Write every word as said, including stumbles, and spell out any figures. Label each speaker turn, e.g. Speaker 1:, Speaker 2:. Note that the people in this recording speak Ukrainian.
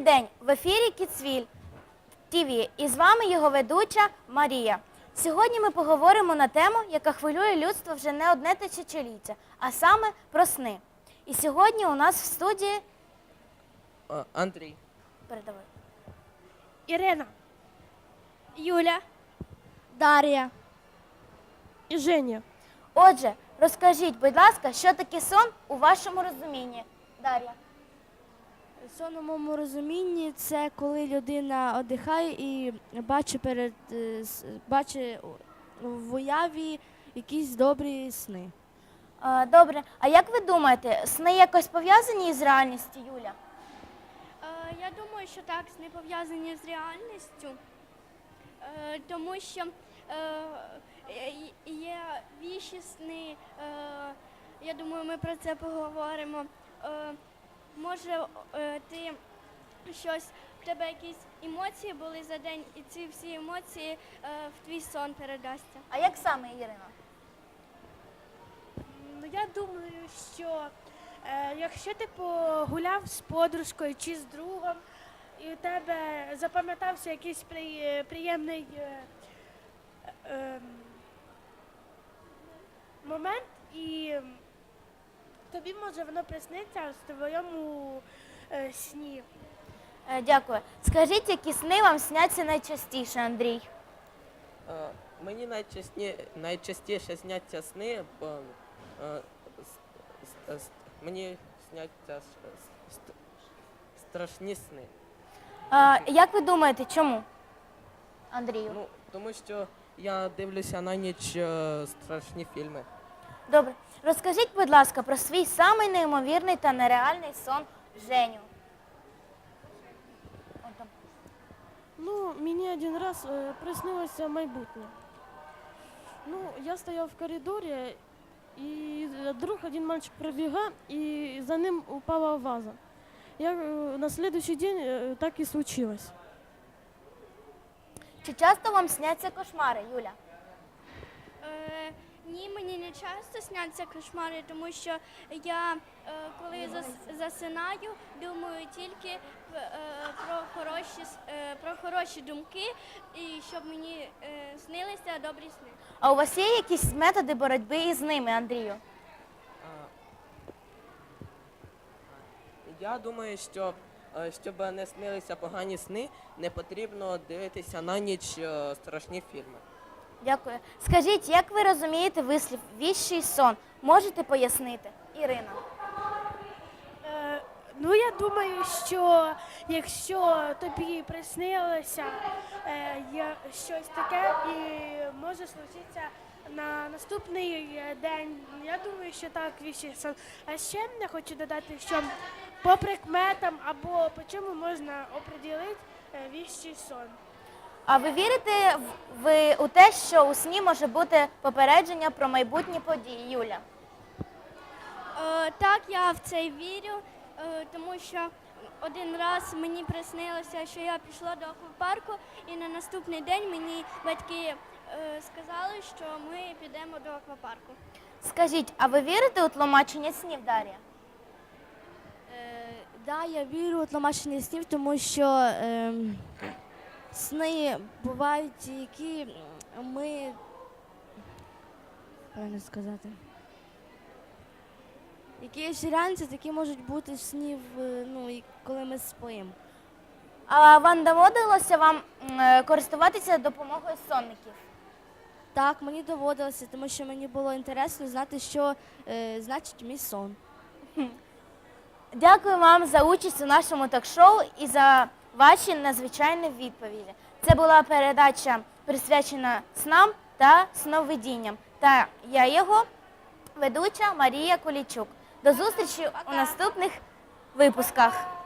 Speaker 1: день! В ефірі Кіцвіль ТВ і з вами його ведуча Марія. Сьогодні ми поговоримо на тему, яка хвилює людство вже не одне тисячоліття, а саме про сни. І сьогодні у нас в студії...
Speaker 2: О, Андрій.
Speaker 1: Передавай.
Speaker 3: Ірина,
Speaker 4: Юля,
Speaker 3: Дар'я і Женя.
Speaker 1: Отже, розкажіть, будь ласка, що таке сон у вашому розумінні? Дар'я.
Speaker 4: сон у моєму розумінні – це коли людина віддихає і бачить, перед, бачить в уяві якісь добрі сни.
Speaker 1: А, добре, а як ви думаєте, сни якось пов'язані із реальністю, Юля?
Speaker 5: Е, Я думаю, що так, сни пов'язані з реальністю, е, тому що е, є віщі сни, е, я думаю, ми про це поговоримо. Е, Може, е, ти щось, в тебе якісь емоції були за день, і ці всі емоції е, в твій сон передасться.
Speaker 1: А як саме, Ірина?
Speaker 3: Ну, я думаю, що е, якщо ти погуляв з подружкою чи з другом, і у тебе запам'ятався якийсь при, приємний е, е, момент, і тобі може воно присниться в твоєму е, сні.
Speaker 1: Е, дякую. Скажіть, які сни вам сняться найчастіше, Андрій?
Speaker 2: Е, Мені найчасні, найчастіше сняться сни, бо е, с- с- мені сняться с- ст- страшні сни.
Speaker 1: А, як ви думаєте, чому? Андрію.
Speaker 2: Ну, тому що я дивлюся на ніч е, страшні фільми.
Speaker 1: Добре. Розкажіть, будь ласка, про свій самий неймовірний та нереальний сон Женю. От там.
Speaker 6: Ну, мені один раз е, приснилося майбутнє. Ну, я стояв в коридорі, і вдруг один мальчик пробігав, і за ним упала ваза. Я, е, на следующий день е, так і случилось.
Speaker 1: Чи часто вам сняться кошмари, Юля?
Speaker 5: Е, Ні, мені не часто сняться кошмари, тому що я, е, коли зас- засинаю, думаю тільки е, про хороші, с- е, про хороші думки, і щоб мені е, снилися добрі сни.
Speaker 1: А у вас є якісь методи боротьби із ними, Андрію?
Speaker 2: А, Я думаю, що е, щоб не снилися погані сни, не потрібно дивитися на ніч е, страшні фільми.
Speaker 1: Дякую. Скажіть, як ви розумієте вислів «віщий сон»? Можете пояснити? Ірина.
Speaker 3: Е, ну, я думаю, що якщо тобі приснилося е, є щось таке і може случитися на наступний е, день, я думаю, що так віщий сон. А ще я хочу додати, що по прикметам або по чому можна оприділити е, віщий сон.
Speaker 1: А ви вірите в- ви у те, що у сні може бути попередження про майбутні події, Юля?
Speaker 5: Е, Так, я в це вірю, е, тому що один раз мені приснилося, що я пішла до аквапарку, і на наступний день мені батьки е, сказали, що ми підемо до аквапарку.
Speaker 1: Скажіть, а ви вірите у тлумачення снів, Дар'я?
Speaker 4: Е, да, я вірю у тлумачення снів, тому що е, сни бувають, які ми, правильно сказати, які є реальності, такі можуть бути снів, е, ну, і коли ми спимо.
Speaker 1: А вам доводилося вам м, е, користуватися допомогою сонників?
Speaker 4: Так, мені доводилося, тому що мені було інтересно знати, що е, значить мій сон.
Speaker 1: Дякую вам за участь у нашому ток-шоу і за ваші надзвичайні відповіді. Це була передача, присвячена снам та сновидінням. Та я його ведуча Марія Кулічук. До зустрічі у наступних випусках.